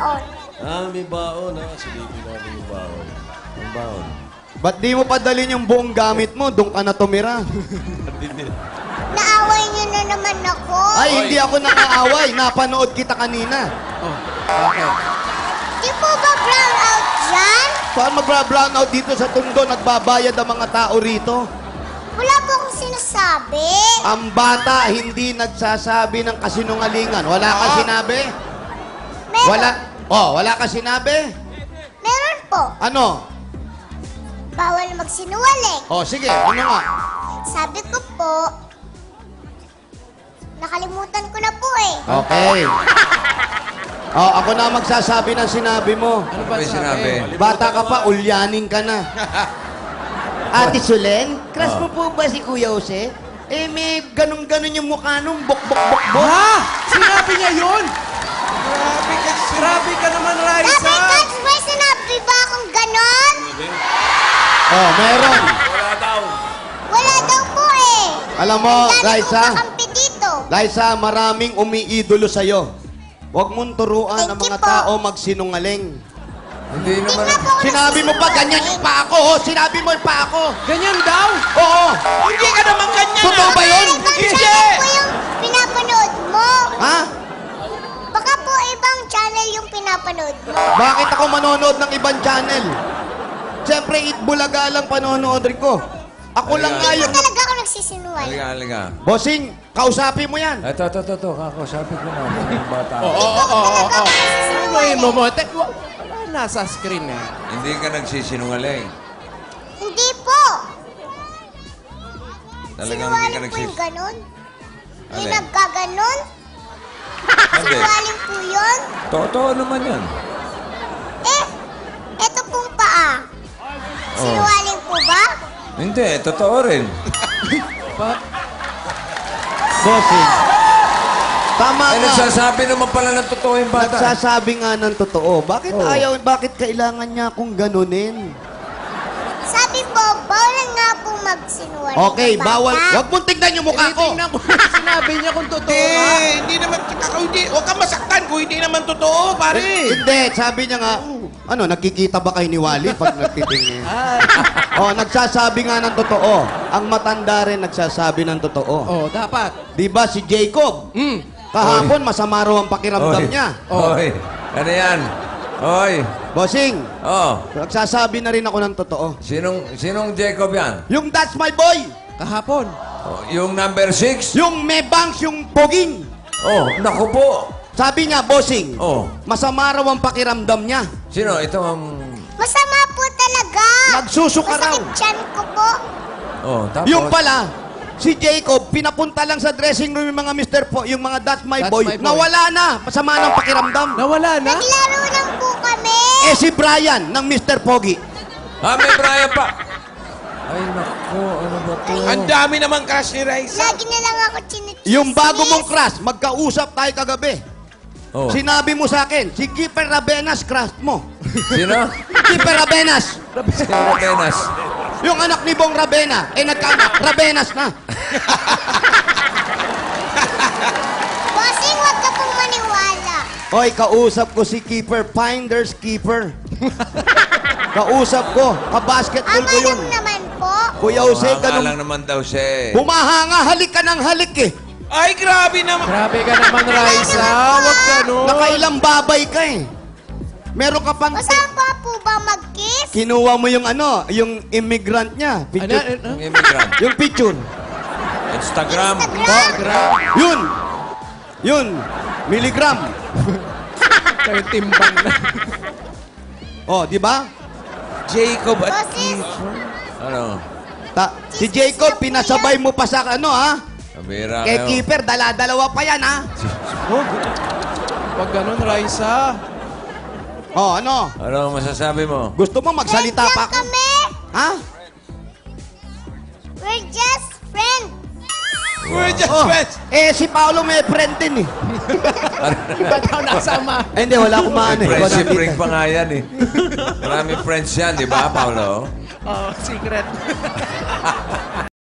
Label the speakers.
Speaker 1: baon.
Speaker 2: May baon ha. Silipin natin yung baon. Ang baon.
Speaker 3: Ba't di mo padalin yung buong gamit mo? Doon ka na tumira.
Speaker 1: Naaway niyo na naman ako.
Speaker 3: Ay, hindi ako nangaaway. Napanood kita kanina.
Speaker 1: Di po ba brown out dyan?
Speaker 3: Saan magbra-brown out dito sa Tondo? Nagbabayad ang mga tao rito.
Speaker 1: Wala po akong sinasabi.
Speaker 3: Ang bata hindi nagsasabi ng kasinungalingan. Wala ka sinabi?
Speaker 1: Meron.
Speaker 3: Wala ka sinabi?
Speaker 1: Meron po.
Speaker 3: Ano?
Speaker 1: Bawal magsinungaling.
Speaker 3: Sige, ano nga?
Speaker 1: Sabi ko po, nakalimutan ko na po eh.
Speaker 3: Okay. Ako na magsasabi ng sinabi mo.
Speaker 4: Ano ba sinabi?
Speaker 3: Bata ka pa, ulyanin ka na. Ate Sulen, crush mo po ba si Kuya Jose? May ganun-ganun yung mukha nung bok-bok-bok-bok.
Speaker 4: Ha? Sinabi niya yun? Grabe ka naman, Raisa.
Speaker 1: Sabi ka, may sinabi ba akong ganon?
Speaker 3: Meron.
Speaker 1: Wala daw po eh.
Speaker 3: Alam mo,
Speaker 1: Ang dami
Speaker 3: Raisa?
Speaker 1: kong kakampi dito.
Speaker 3: Raisa, maraming umiidolo sa'yo. Huwag mong turuan ang
Speaker 1: Thank you
Speaker 3: mga
Speaker 1: po.
Speaker 3: tao magsinungaling.
Speaker 4: Hindi
Speaker 1: Hindi
Speaker 4: naman.
Speaker 1: nga po ako
Speaker 3: Sinabi mo pa, ganyan yung pa ako. Sinabi mo yung pa ako.
Speaker 4: Ganyan daw?
Speaker 3: Oo.
Speaker 5: Hindi ka naman ganyan.
Speaker 3: Totoo ba yun?
Speaker 1: Ibang
Speaker 3: Hindi.
Speaker 1: channel po yung pinapanood mo.
Speaker 3: Ha?
Speaker 1: Baka po ibang channel yung pinapanood mo.
Speaker 3: Bakit ako manonood ng ibang channel? Siyempre, Itbulaga lang panonood rin ko. Ako lang nga
Speaker 1: Hindi
Speaker 3: yung...
Speaker 1: po talaga ako nagsisinungaling.
Speaker 4: Halika.
Speaker 3: Bossing, kausapin mo yan.
Speaker 4: Ito. Kakosapin ko na. Yung bata.
Speaker 1: Sinungaling.
Speaker 4: Wala nasa screen eh.
Speaker 6: Hindi ka nagsisinungaling.
Speaker 1: Hindi po.
Speaker 6: Talagang hindi ka
Speaker 1: Sinungaling po yung ganon. Yung
Speaker 6: Alin?
Speaker 1: nagkaganon.
Speaker 6: Hindi.
Speaker 1: Sinungaling po yun.
Speaker 6: Totoo naman yan.
Speaker 1: Eto pong paa. Sinungaling po ba?
Speaker 6: Hindi, totoo rin.
Speaker 3: Bossing. Tama
Speaker 6: Ay,
Speaker 3: nga.
Speaker 6: nagsasabi naman pala ng totoo yung bata.
Speaker 3: Nagsasabi nga ng totoo. Bakit kailangan niya akong ganunin?
Speaker 1: Sabi po, bawal nga po magsinungaling.
Speaker 3: Okay,
Speaker 1: ng bata.
Speaker 3: bawal. Huwag mong tignan yung mukha ko.
Speaker 4: Tinitingnan ko. Sinabi niya kung totoo
Speaker 5: Hindi,
Speaker 4: nga.
Speaker 5: hindi naman, huwag kang masaktan kung hindi naman totoo, pare.
Speaker 3: Hindi, sabi niya nga, nakikita ba kayo ni Wally pag nagtitingin? Nagsasabi nga ng totoo. Ang matanda rin nagsasabi ng totoo.
Speaker 4: Dapat.
Speaker 3: Di ba si Jacob? Kahapon, masama raw ang pakiramdam niya.
Speaker 6: Oy, ano yan? Oy,
Speaker 3: Bossing,
Speaker 6: oh,
Speaker 3: nagsasabi na rin ako ng totoo.
Speaker 6: sinong Jacob yan?
Speaker 3: Yung That's My Boy,
Speaker 4: Kahapon.
Speaker 6: Oh, yung number 6?
Speaker 3: yung may bangs, yung poging.
Speaker 6: Oh, naku po.
Speaker 3: Sabi niya, Bossing,
Speaker 6: Oh,
Speaker 3: masama raw ang pakiramdam niya.
Speaker 6: sino? Ito ang...
Speaker 1: Masama po talaga.
Speaker 3: Nagsusuka raw.
Speaker 1: Masakit tiyan ko po.
Speaker 6: Oh, tapos...
Speaker 3: Yung pala, si Jacob, pinapunta lang sa dressing room yung mga Mr. Po, yung mga That's My
Speaker 4: That's
Speaker 3: Boy.
Speaker 4: My Boy.
Speaker 3: Nawala na. Masama ng pakiramdam.
Speaker 4: Nawala na?
Speaker 1: Naglaro lang po kami.
Speaker 3: Si Brian ng Mr. Pogi.
Speaker 6: may Brian pa. Ay, naku, ano ba to?
Speaker 5: Ang dami naman crush ni Raisa.
Speaker 1: Lagi na lang ako chinichismis.
Speaker 3: Yung bago mong crush, magkausap tayo kagabi.
Speaker 6: Oh,
Speaker 3: Sinabi mo sa akin, si Kiefer Rabenas crush mo.
Speaker 6: sino?
Speaker 3: Kiefer Rabenas.
Speaker 6: Sino Rabenas?
Speaker 3: Yung anak ni Bong Rabena, nagkaanak, Rabenas na.
Speaker 1: Bossing, huwag ka pong maniwala.
Speaker 3: Hoy, kausap ko si Keeper, Finders Keeper. Kausap ko, kabasketball
Speaker 1: Ang
Speaker 3: ko yun.
Speaker 1: alam naman po.
Speaker 3: Kuya Jose,
Speaker 6: Mga
Speaker 3: ganun.
Speaker 6: lang naman daw siya eh.
Speaker 3: Humahanga, halik ka ng halik eh.
Speaker 5: Ay, grabe naman.
Speaker 4: Grabe ka naman, Raisa. Huwag ganun.
Speaker 3: Nakailang babay ka eh. Meron ka pang...
Speaker 1: Masama po ba mag-kiss?
Speaker 3: Kinuha mo yung yung immigrant niya. Picture.
Speaker 6: Yung immigrant.
Speaker 3: Yung picture.
Speaker 6: Instagram.
Speaker 1: Instagram.
Speaker 3: Yun. Yun. Milligram.
Speaker 4: Kayo timbang na.
Speaker 3: Di ba?
Speaker 5: Jacob at
Speaker 1: Boses,
Speaker 6: Ano?
Speaker 3: Si Jacob, pinasabay mo pa sa
Speaker 6: Kabira
Speaker 3: Kay
Speaker 6: kayo.
Speaker 3: Keeper, dala-dalawa pa yan,
Speaker 4: Huwag ganun, Raisa.
Speaker 3: Ano?
Speaker 6: Ano ang masasabi mo?
Speaker 3: Gusto mo magsalita
Speaker 1: friends
Speaker 3: pa
Speaker 1: lang
Speaker 3: ako?
Speaker 1: kami.
Speaker 3: Ha?
Speaker 1: We're just friends.
Speaker 5: We're just
Speaker 3: Oh,
Speaker 5: friends.
Speaker 3: si Paolo may friend din eh.
Speaker 4: Ba't ako nasama?
Speaker 3: Hindi, wala akong maano eh.
Speaker 6: Friendship
Speaker 3: Wala
Speaker 6: ring
Speaker 3: kita.
Speaker 6: pa nga yan eh. Maraming friends yan, di ba, Paolo?
Speaker 4: Secret.